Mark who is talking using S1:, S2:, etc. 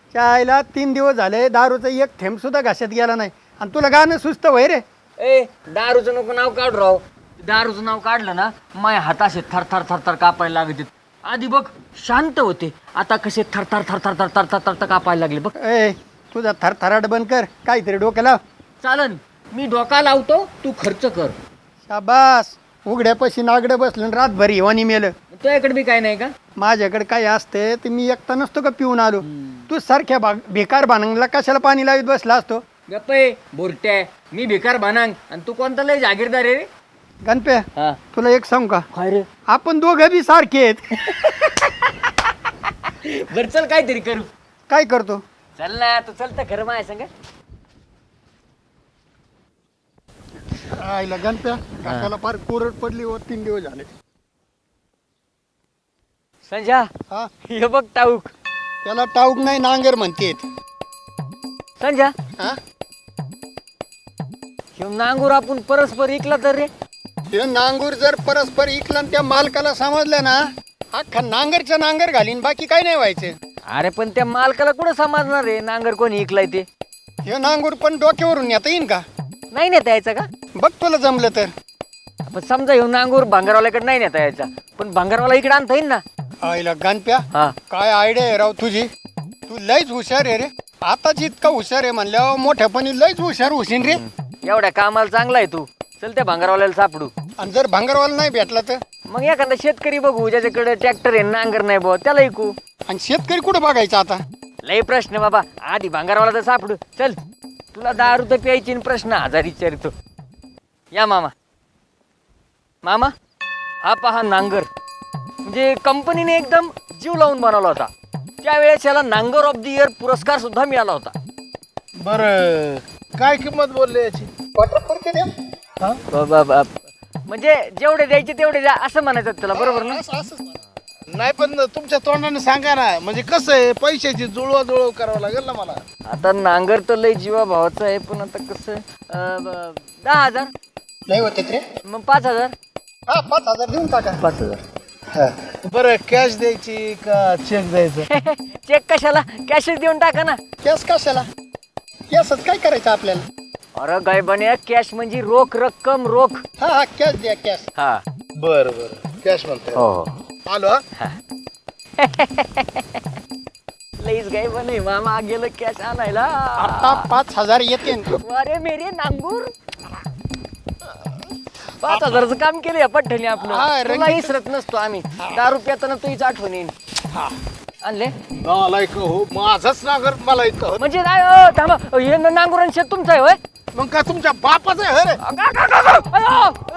S1: चायला 3 दिवस झाले दारूचा एक थेंब सुद्धा घाशात गेला नाही आणि तुला गाणं सुस्त वय रे.
S2: ए दारूचं नको नाव काढ राव. दारूचं नाव काढलं ना माय हात असे थर थर थर थर कापायला लागते. आधी बघ शांत होते, आता कसे थर थर थर थर थर थर थर थर थर कापायला लागले बघ.
S1: ए तुझा थरथराट बंद कर, काहीतरी डोक्याला
S2: चालन, मी डोका लावतो, तू खर्च कर.
S1: शाबास. उघड्यापाशी नागडं बसलं रातभर हिवानी मेलं.
S2: तुझ्याकडे बी काय नाही का?
S1: माझ्याकडे काय असते ते मी एकटा नसतो का पिऊन आलो. तू सारख्या बेकार भानंगला कशाला पाणी लावीत बसला असतो.
S2: गप्पे बोरट्या, मी भिकार बनांग आणि तू कोणता लय जागीरदार आहे रे.
S1: गणप्या
S2: हा
S1: तुला एक सांगू का,
S2: काय रे?
S1: आपण दोघं बी सारखे आहेत.
S2: बर चल काहीतरी करू.
S1: काय करतो?
S2: चल ना, तू चल तर खरं माय संग.
S1: आईला गणप्या काकाला फार कोरड पडली व 3 दिवस झाले.
S2: संजा
S1: हा
S2: हे बघ टाऊक.
S1: त्याला टाऊक नाही नांगर म्हणतेत.
S2: संजा
S1: हा
S2: ह्यो नांगूर आपण परस्पर इकला तर रे.
S1: हे नांगूर जर परस्पर इकला आणि त्या मालकाला समजलं ना, अख्खा नांगरच्या नांगर घालीन, बाकी काय नाही व्हायचं.
S2: अरे पण त्या मालकाला कुठं समजणार रे नांगर कोणी इकलाय ते.
S1: हे नांगूर पण डोक्यावरून नेता येईन का?
S2: नाही नेता यायचा का?
S1: बघ तुला जमलं तर.
S2: पण समजा ह्यो नांगूर भांगारवाल्याकडे नाही नेता यायचा, पण भांगारवाला इकडे आणता येईल ना.
S1: आईला गणप्या
S2: हा
S1: काय आयडिया आहे राव तुझी. तू लयच हुशार आहे रे. आताच इतका हुशार आहे म्हणल्यावर मोठ्यापणी लयच हुशार होशील रे.
S2: एवढ्या कामाला चांगला आहे तू. चल त्या भांगारवाल्याला सापडू.
S1: आणि जर भांगरवाला नाही भेटला तर?
S2: मग एखादा शेतकरी बघू ज्याच्याकडे ट्रॅक्टर आहे नांगर नाही बुवा, त्याला ऐकू.
S1: आणि शेतकरी कुठं बघायचा आता?
S2: लय प्रश्न बाबा, आधी भांगारवाला तर सापडू. चल तुला दारू तर प्यायची आणि प्रश्न हजार विचारतो. या मामा. मामा हा पहा नांगर, म्हणजे कंपनीने एकदम जीव लावून बनवला होता. त्यावेळेस याला नांगर ऑफ द इयर पुरस्कार सुद्धा मिळाला होता.
S3: बर काय किंमत बोलले याची?
S2: म्हणजे जेवढे द्यायचे तेवढे द्या असं म्हणायचं त्याला, बरोबर ना?
S3: नाही पण तुमच्या तोंडाने सांगा ना, म्हणजे कसं आहे, पैशाची जुळवा करावं लागेल ना मला.
S2: आता नांगर तर लय जीवा भावाचं आहे, पण आता कसं 10,000
S1: नाही होते रे.
S2: मग 5,000.
S1: हा 5,000 देऊन टाका.
S2: 5,000
S3: बरं कॅश द्यायची का चेक द्यायचं?
S2: चेक कशाला, कॅशच देऊन टाका ना.
S1: कॅश कशाला? कॅशच काय करायचं आपल्याला?
S2: अरे गाय बने, कॅश म्हणजे रोख रक्कम, रोख.
S1: हा हा कॅश द्या कॅश.
S2: हा
S3: बर कॅश म्हणतो.
S2: हो
S3: आलो हा.
S2: लईच गाय बने, मामा गेलं कॅश आणायला.
S1: आता 5,000 येते.
S2: अरे मेरे नांगूर, 5,000चं काम केलं या पठ्ठणी
S1: हा,
S2: आपलं.
S1: रंगीत.
S2: तुला इसरत नसतो आम्ही. दारू पिताना तुझीच आठवण येईल. आणले
S3: मला एक हो, माझाच नागर मला एक हो.
S2: म्हणजे नाही. थांबा, हे नांगुरांचे तुमचं आहे होय?
S3: मग का तुमच्या बापाचं आहे रे?
S2: अगं, अगं, अगं, अगं. अयो,